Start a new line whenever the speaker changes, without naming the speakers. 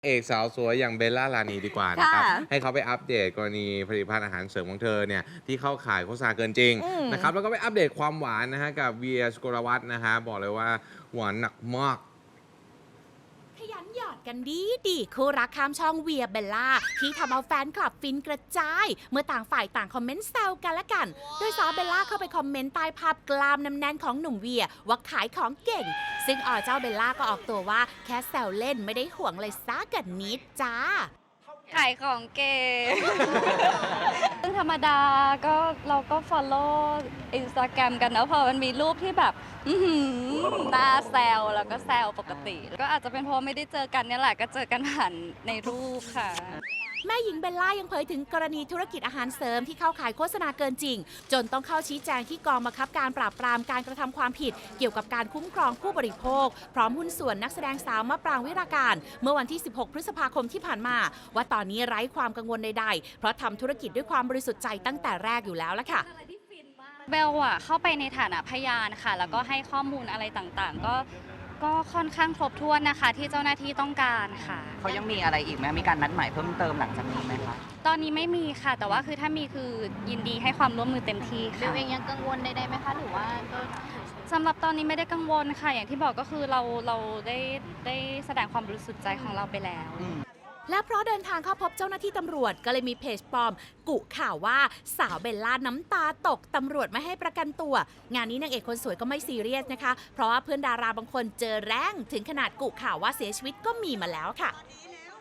เอกสาวสวยอย่างเบลล่ารานีดีกว่านะครับ
ค่ะ
ให้เขาไปอัปเดตกรณีผลิตภัณฑ์อาหารเสริมของเธอเนี่ยที่เข้าข่ายโฆษณาเกินจริงนะครับแล้วก็ไปอัปเดตความหวานนะฮะกับเวียสุโกลวัฒน์นะฮะบอกเลยว่าหวานหนักมาก
ขยันหยอดกันดีคู่รักข้ามช่องเวียเบลล่าที่ทำเอาแฟนคลับฟินกระจาย เมื่อต่างฝ่ายต่างคอมเมนต์แซวกันละกัน โดยสาวเบลล่าเข้าไปคอมเมนต์ใต้ภาพกลามน้ำแน่นของหนุ่มเวียว่าขายของเก่ง ซึ่งเจ้าเบลล่าก็ออกตัวว่าแค่แซวเล่นไม่ได้ห่วงเลยซักกันนิดจ้า
ขายของเก่ง ซึ่งธรรมดาก็เราก็ follow Instagram กันนะพอมันมีรูปที่แบบหน้าแซวแล้วก็แซวปกติ ก็อาจจะเป็นเพราะไม่ได้เจอกันเนี่ยแหละก็เจอกันผ่านในรูปค่ะ
แม่หญิงเบลล่ายังเผยถึงกรณีธุรกิจอาหารเสริมที่เข้าขายโฆษณาเกินจริง จนต้องเข้าชี้แจงที่กองบังคับการปราบปรามการกระทำความผิด เกี่ยวกับการคุ้มครองผู้บริโภค พร้อมหุ้นส่วนนักแสดงสาวมะปรางวิราการ เมื่อวันที่ 16 พฤษภาคมที่ผ่านมา ว่าตอนนี้ไร้ความกังวลใดๆ เพราะทำธุรกิจด้วยความบริสุทธิ์ใจตั้งแต่แรกอยู่แล้วละค่ะ
เบลอะเข้าไปในฐานะพยานค่ะ แล้วก็ให้ข้อมูลอะไรต่างๆ ก็ค่อนข้างครบถ้วนนะคะ ที่เจ้าหน้าที่ต้องการค่ะ
เขายังมีอะไรอีกไหมมีการนัดหมายเพิ่มเติมหลังจากนี้ไหมคะ
ตอนนี้ไม่มีค่ะ แต่ว่าคือถ้ามีคือยินดีให้ความร่วมมือเต็มที่
เบ
ค่ะ
ลเองยังกังวลใดๆไหมคะหรือว่าก็
สำหรับตอนนี้ไม่ได้กังวลค่ะ อย่างที่บอกก็คือเราได้แสดงความบริสุทธิ์ใจของเราไปแล้ว
และเพราะเดินทางเข้าพบเจ้าหน้าที่ตำรวจก็เลยมีเพจปลอม กุข่าวว่าสาวเบลล่าน้ำตาตกตำรวจไม่ให้ประกันตัว งานนี้นางเอกคนสวยก็ไม่ซีเรียสนะคะ เพราะว่าเพื่อนดาราบางคนเจอแรงถึงขนาดกุข่าวว่าเสียชีวิตก็มีมาแล้วค่ะ